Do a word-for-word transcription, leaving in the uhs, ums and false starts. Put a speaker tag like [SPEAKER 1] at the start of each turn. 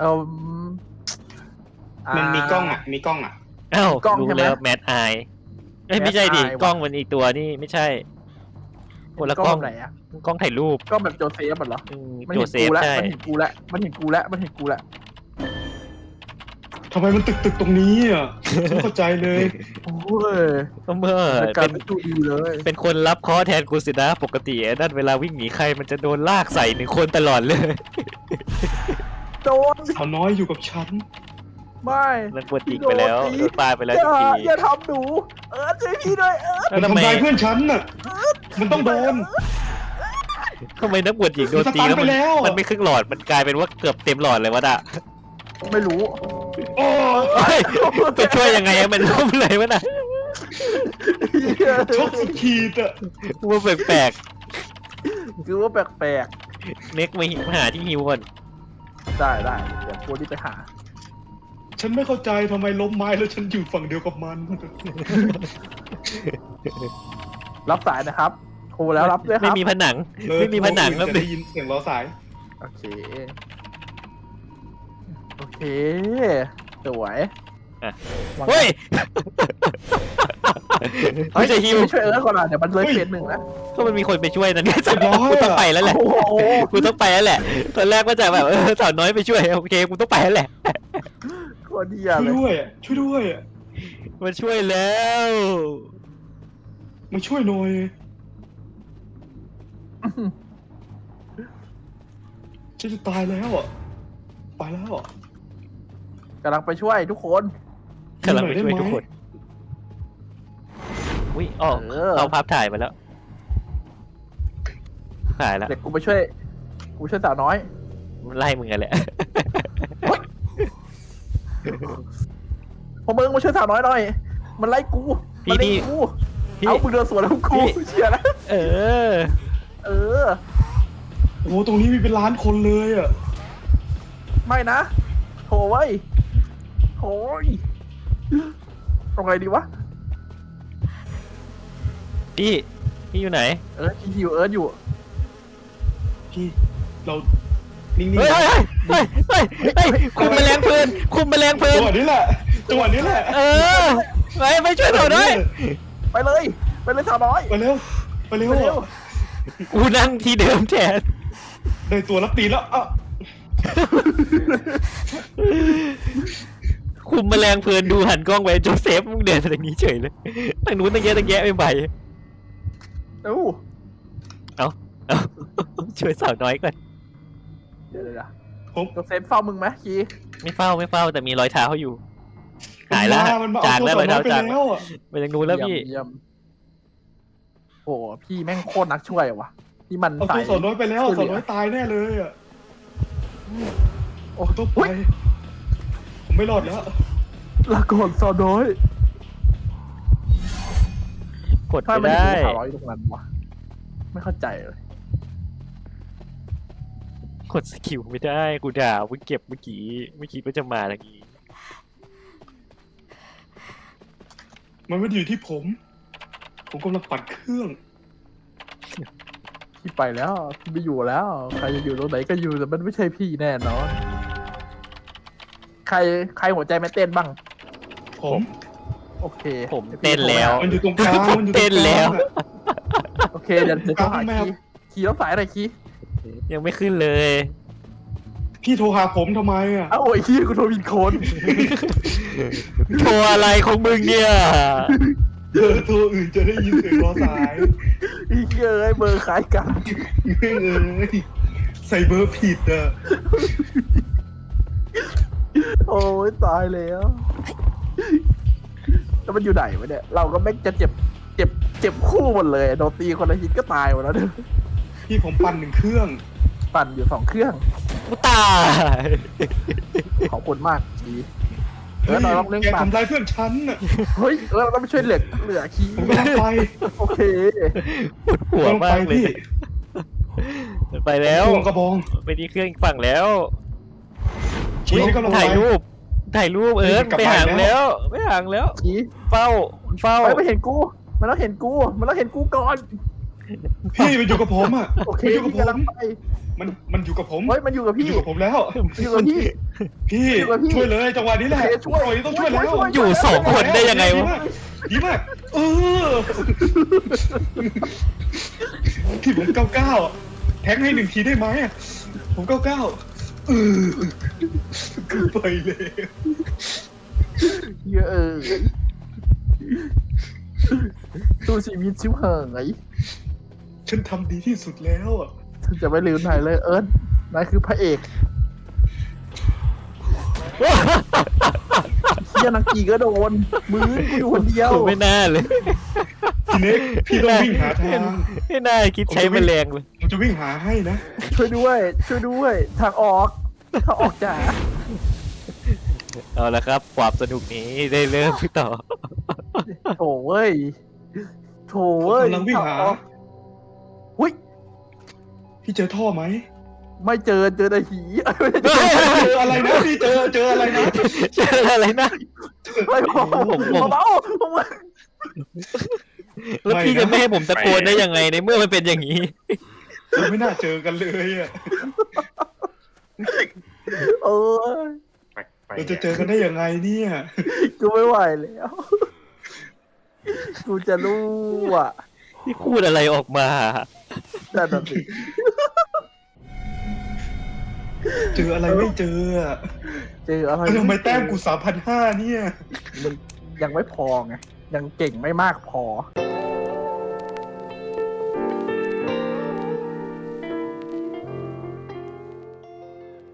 [SPEAKER 1] เออ
[SPEAKER 2] มันมีกล้องอ่ะมีกล้องอ่ะ
[SPEAKER 3] อ้าวรู้แล้วแมทไอไม่ใช่ดิกล้องมันอีกตัวนี่ไม่ใช่คนละกล้อง
[SPEAKER 1] ไหนอะ
[SPEAKER 3] กล้องถ่ายรูป
[SPEAKER 1] กล้องแบบโจเซฟเหรอมัน
[SPEAKER 3] โจ
[SPEAKER 1] เห็น
[SPEAKER 3] เซ
[SPEAKER 1] กู
[SPEAKER 3] ฟ
[SPEAKER 1] แล้ว
[SPEAKER 3] ใช่
[SPEAKER 1] มันเห็นกูแล้วมันเห็นกูแล้วมันเห็นกูแล้ว
[SPEAKER 2] ทำไมมันตึกตึกตรงนี้อ่ะไม่เข้าใจเลย
[SPEAKER 1] โอ้ย
[SPEAKER 3] เมื่อ
[SPEAKER 1] การ
[SPEAKER 3] เป็น
[SPEAKER 1] ดูดีเลย
[SPEAKER 3] เป็นคนรับเคอแทนกูสินะปกตินั่นเวลาวิ่งหนีใครมันจะโดนลากใส่หนึ่งคนตลอดเลย
[SPEAKER 1] โดน
[SPEAKER 2] สาวน้อยอยู่กับฉัน
[SPEAKER 1] ไม่
[SPEAKER 3] นั่นปวดจิกไปแล้วโดนปลาไปแล้ว
[SPEAKER 1] อย่า
[SPEAKER 3] ที
[SPEAKER 1] อย่าทำหนูเออช่วยพี่ด้วยเออ
[SPEAKER 3] แล้ว
[SPEAKER 2] มัน
[SPEAKER 3] ทำไม
[SPEAKER 2] ทำลายเพื่อนฉันน่ะมันต้องโดน
[SPEAKER 3] ทำไมนักบวชหญิงโดนตี
[SPEAKER 2] มันสตันไปแล้ว
[SPEAKER 3] มันไม่ครึ่งหลอดมันกลายเป็นว่าเกือบเต็มหลอดเลยวะด่ะ
[SPEAKER 1] ไม่รู้
[SPEAKER 2] โอ้
[SPEAKER 3] เฮ้ยไปช่วยยังไงอะมันล้มเลยวะน่ะ
[SPEAKER 2] ชกสุดขีดอ่ะ
[SPEAKER 3] ว่าแปลก
[SPEAKER 1] คือว่าแปลก
[SPEAKER 3] ๆเน็กมาหาที่ฮิวก่อน
[SPEAKER 1] ๆได้ได้เดี๋ยวกูที่ไปหา
[SPEAKER 2] ฉันไม่เข้าใจทำไมล้มไม้แล้วฉันอยู่ฝั่งเดียวกับมัน
[SPEAKER 1] รับสายนะครับโทรแล้วรับด้วยค
[SPEAKER 3] ไม่
[SPEAKER 1] รับ
[SPEAKER 3] มีผนังไม่มีผนังแล้ว
[SPEAKER 2] จะได้ยินเสียงล้อสาย
[SPEAKER 1] โอเคโอเคสวย
[SPEAKER 3] เฮ้ยไม่ใช่ฮิว
[SPEAKER 1] ไปช่วยเอิร์ธก่อนอ่ะเดี๋ยวมันเลยเฟสหนึ่งนะ
[SPEAKER 3] ก็มันมีคนไปช่วยนะเนี่ย
[SPEAKER 2] เรียบร้อย
[SPEAKER 3] กูต้องไปแล้วแหละ
[SPEAKER 1] โอ้โห
[SPEAKER 3] กูต้องไปแล้วแหละตอนแรกก็จะแบบเออสาวน้อยไปช่วยโอเคกูต้องไปแล้วแหละ
[SPEAKER 1] โคตรเดีย
[SPEAKER 2] ช่วย
[SPEAKER 1] เลย
[SPEAKER 2] ด้วยอะช่วยด้วยอะ
[SPEAKER 3] มาช่วยแล้ว
[SPEAKER 2] มาช่วยหน่อยฉันจะตายแล้วอ่ะไปแล้วอ่ะ
[SPEAKER 1] กำลังไปช่วยทุกคน
[SPEAKER 3] กำลังไปช่วยทุกคนอุ้ยอ๋อ
[SPEAKER 1] เออ
[SPEAKER 3] เอาภาพถ่ายมาแล้วถ่ายแล้ว
[SPEAKER 1] เด็กกูไปช่วยกูช่วยสาวน้อย
[SPEAKER 3] มันไล่มึงกันแหละ
[SPEAKER 1] พอมึงมาช่วยสาวน้อยหน่อย มันไล่กู มันไล่กู
[SPEAKER 3] พี่
[SPEAKER 1] เอามึงเดินสวนแล้วกู
[SPEAKER 3] พี่
[SPEAKER 1] เชียร์นะ
[SPEAKER 3] เออ
[SPEAKER 1] เออ
[SPEAKER 2] โอ้โหตรงนี้มีเป็นล้านคนเลยอ่ะ
[SPEAKER 1] ไม่นะโถไว้ยโถยตรงไหนดีวะ
[SPEAKER 3] พี่พี่อยู่ไหน
[SPEAKER 1] เอิร์ธฮิวเอิร์ธอยู่
[SPEAKER 2] พี่เรานิ่งๆ
[SPEAKER 3] เฮ้ย
[SPEAKER 2] นะ
[SPEAKER 3] เฮ้ยเฮ้ยเฮ้ยเฮ้ยคุมแมลงเพลินคุมแมลงเพลิ
[SPEAKER 2] จั
[SPEAKER 3] น
[SPEAKER 2] งหวะนี้แหละจังหวะนี้แหละ
[SPEAKER 3] เออไปไปช่วยเราด้วย
[SPEAKER 1] ไปเลย ไปเลยสาวน้อย
[SPEAKER 2] ไปเร็วไปเร็ว
[SPEAKER 1] ไปเร็ว
[SPEAKER 3] กูนั่งที่เดิมแทน
[SPEAKER 2] ได้ตัวรับตีนแล้วอ่ะ
[SPEAKER 3] คุมแมลงเพลินดูหันกล้องไปโจเซฟมึงเดินทางนี้เฉยเลยทางนู้นตั้งแยะตั้งแยะไม่ไป
[SPEAKER 1] เอ้า
[SPEAKER 3] เอาเอาช่วยสาวน้อยก่อน
[SPEAKER 1] เดี๋ยวเดี๋ยวเดี๋ยว
[SPEAKER 2] ผม
[SPEAKER 1] โจเซฟเฝ้ามึงไหมคี
[SPEAKER 3] ไม่เฝ้าไม่เฝ้าแต่มีรอยเท้าอยู่หาย
[SPEAKER 2] มัน
[SPEAKER 3] แล้ว
[SPEAKER 2] มามันมา
[SPEAKER 3] จาง
[SPEAKER 2] เอา
[SPEAKER 3] แล้ว
[SPEAKER 2] ตัว
[SPEAKER 3] รอยเท้า
[SPEAKER 2] ไป
[SPEAKER 3] จาง
[SPEAKER 2] แล้วอ่ะ
[SPEAKER 3] ไปทางนู้นแล้วพี่
[SPEAKER 1] เยี่ยมโอ้พี่แม่งโคตรนักช่วยว่ะที่มัน
[SPEAKER 2] เอา
[SPEAKER 1] ใส่
[SPEAKER 2] ตัวสาวน้อยไปแล้วสาวน้อยตายแน่เลยอ่ะ
[SPEAKER 1] โอ้
[SPEAKER 2] ต้องไป
[SPEAKER 1] อุ๊ย
[SPEAKER 2] ผมไม่รอดแล้ว
[SPEAKER 1] ลาก่อนสาวน้อย
[SPEAKER 3] กด
[SPEAKER 1] ทำไม
[SPEAKER 3] ไม่
[SPEAKER 1] มัน
[SPEAKER 3] ได้
[SPEAKER 1] ถึงสาวน้อยอยู่ตรงนั้นวะไม่เข้าใจเลย
[SPEAKER 3] กดสกิลไม่ได้กูด่ามึงเก็บเมื่อกี้ไม่คิดว่าจะมาทางนี้
[SPEAKER 2] มันไม่ได้อยู่ที่ผม ผมกำลังปั่นเครื่อง
[SPEAKER 1] พี่ไปแล้วพี่ไม่อยู่แล้ว ใครจะอยู่ตรงไหนก็อยู่แต่มันไม่ใช่พี่แน่นอนใครใครหัวใจไม่เต้นบ้าง
[SPEAKER 2] ผม
[SPEAKER 1] โอเค
[SPEAKER 3] ผมเต้นแล้ว
[SPEAKER 2] มันอยู่ตรงกลางมันอยู่ตรงกลาง
[SPEAKER 3] เต้นแล้ว
[SPEAKER 2] อะ
[SPEAKER 1] โอเคเดี๋ยวเดี๋ยวต้องหา
[SPEAKER 2] แมว
[SPEAKER 1] คีย์คีย์แล้วสายอะไรคีย์
[SPEAKER 3] ยังไม่ขึ้นเลย
[SPEAKER 2] พี่โทรหาผมทำไมอ่ะ
[SPEAKER 1] อ้าวโอ้ยคีย์กูโทรผิดคน
[SPEAKER 3] โชว์อะไรของมึงเนี่ย
[SPEAKER 2] เจอตัวอื่นจะได้ยินเสียงรอสาย
[SPEAKER 1] อีเหี้ยเอ้ยเบอร์คล้ายกัน
[SPEAKER 2] แม่งเอ้ยใส่เบอร์ผิดอ่ะ
[SPEAKER 1] โอ้ยตายแล้วแล้วมันอยู่ไหนวะเนี่ยเราก็ไม่จะเจ็บเจ็บเจ็บคู่หมดเลยโดนตีคนละฮิตก็ตายหมดแล้วเนี่ย
[SPEAKER 2] พี่ผมปั่นหนึ่งเครื่อง
[SPEAKER 1] ปั่นอยู่สองเครื่อง
[SPEAKER 3] กูตาย
[SPEAKER 1] ขอบคุณมากจีเออเราต้องเล่น
[SPEAKER 2] แก
[SPEAKER 1] ปั่น
[SPEAKER 2] ทำร้ายเพื่อนฉันน่ะ
[SPEAKER 1] เฮ้ยเออเราต้องไปช่วยเหลือเหลือคีย์
[SPEAKER 2] ผมกำลังไป
[SPEAKER 1] โอเค
[SPEAKER 3] ปวดหัว
[SPEAKER 2] กำลัง
[SPEAKER 3] มา
[SPEAKER 2] ไป
[SPEAKER 3] กเลย
[SPEAKER 2] พี่
[SPEAKER 3] ไปแล้ว
[SPEAKER 2] ห่วงกระบอง
[SPEAKER 3] ไปที่เครื่องอีกฝั่งแล้ว
[SPEAKER 2] ชี้ให้กำลัง
[SPEAKER 3] ถ่าย
[SPEAKER 2] ไป
[SPEAKER 3] รูป ถ่ายรูปเอิร์ธ
[SPEAKER 2] กลับ
[SPEAKER 3] ไป
[SPEAKER 2] มา
[SPEAKER 3] ห่าง
[SPEAKER 2] แล้ว
[SPEAKER 3] แล้วไม่ห่างแล้ว
[SPEAKER 1] คีย์
[SPEAKER 3] เฝ้าเฝ้า
[SPEAKER 1] ไปไม่เห็นกู มันต้องเห็นกู มันต้องเห็นกูก่อน
[SPEAKER 2] พี่มันอยู่กับผมอ่ะ
[SPEAKER 1] โอเค
[SPEAKER 2] มันอยู่กับ
[SPEAKER 1] พี่
[SPEAKER 2] ผม
[SPEAKER 1] กำลังไป
[SPEAKER 2] มันมันอยู่กับผม
[SPEAKER 1] เฮ้ยมันอยู่กับ
[SPEAKER 2] มัน
[SPEAKER 1] พี่
[SPEAKER 2] อยู่กับผมแล้ว
[SPEAKER 1] มันอยู่กับพี่
[SPEAKER 2] พี่
[SPEAKER 1] อยู่กับพี่
[SPEAKER 2] ช่วยเลยจังหวะนี้แหละ
[SPEAKER 1] โอเคช่วย
[SPEAKER 2] ปล่อยต้องช่วยแล้ว
[SPEAKER 1] ช่วย
[SPEAKER 3] อยู่สองคนได้ยังไงวะ
[SPEAKER 2] ดีมากเออพี่ผมเก้าเก้าแท็กให้หนึ่งทีได้ไหมอะผมเก้าเก้าเออคือไปเลย
[SPEAKER 1] เยอะเออสู้ชีวิตชิวเหิงไง
[SPEAKER 2] ฉันทำดีที่สุดแล้วอะ
[SPEAKER 1] ฉันจะไม่ลืมนายเลยเอิร์ธนายคือพระเอกเฮียนังกีก็โดนมือกูอยู่คนเดียว
[SPEAKER 3] ผมไม่น่าเลย
[SPEAKER 2] ทีเน็กพี่ต้องวิ่งหาทาง
[SPEAKER 3] ไม่น่าคิดใช้แมลงเลย
[SPEAKER 2] ผมจะวิ่งหาให้นะ
[SPEAKER 1] ช่วยด้วย ช่วยด้วย ทางออกทางออกจ๋า
[SPEAKER 3] เอาละครับ ความสนุกนี้ได้เริ่มต่อ
[SPEAKER 1] โถเว้ยโถเว้ย
[SPEAKER 2] กำลังวิ่งหา
[SPEAKER 1] ทออกหุ้ย
[SPEAKER 2] พี่เจอท่อไหม
[SPEAKER 1] ไม่เจอเจอแต่หีไม่ได้เจอ
[SPEAKER 2] เจออะไรนะพี่เจอเจออะไรนะ
[SPEAKER 3] เจออะไรนะ
[SPEAKER 1] ไม่พอ
[SPEAKER 3] ผมผม
[SPEAKER 1] เบาๆผมว่า
[SPEAKER 3] แล้วพี่จะไม่ให้ผมตะโกนได้ยังไงในเมื่อมันเป็นอย่างนี้
[SPEAKER 2] เราไม่น่าเจอกันเลยอ่ะ
[SPEAKER 1] เออ
[SPEAKER 2] เราจะเจอกันได้ยังไงเนี่ย
[SPEAKER 1] กูไม่ไหวแล้ว กูจะรู้อ่ะ
[SPEAKER 3] ที่พูดอะไรออกมา
[SPEAKER 1] แต่นั่นสิ
[SPEAKER 2] เจออะไรไม่เจออะ
[SPEAKER 1] เจออะไร
[SPEAKER 2] แล้วทำไมแต้มกูสามพันห้าเนี่ย
[SPEAKER 1] มันยังไม่พอไง ยังเก่งไม่มากพอ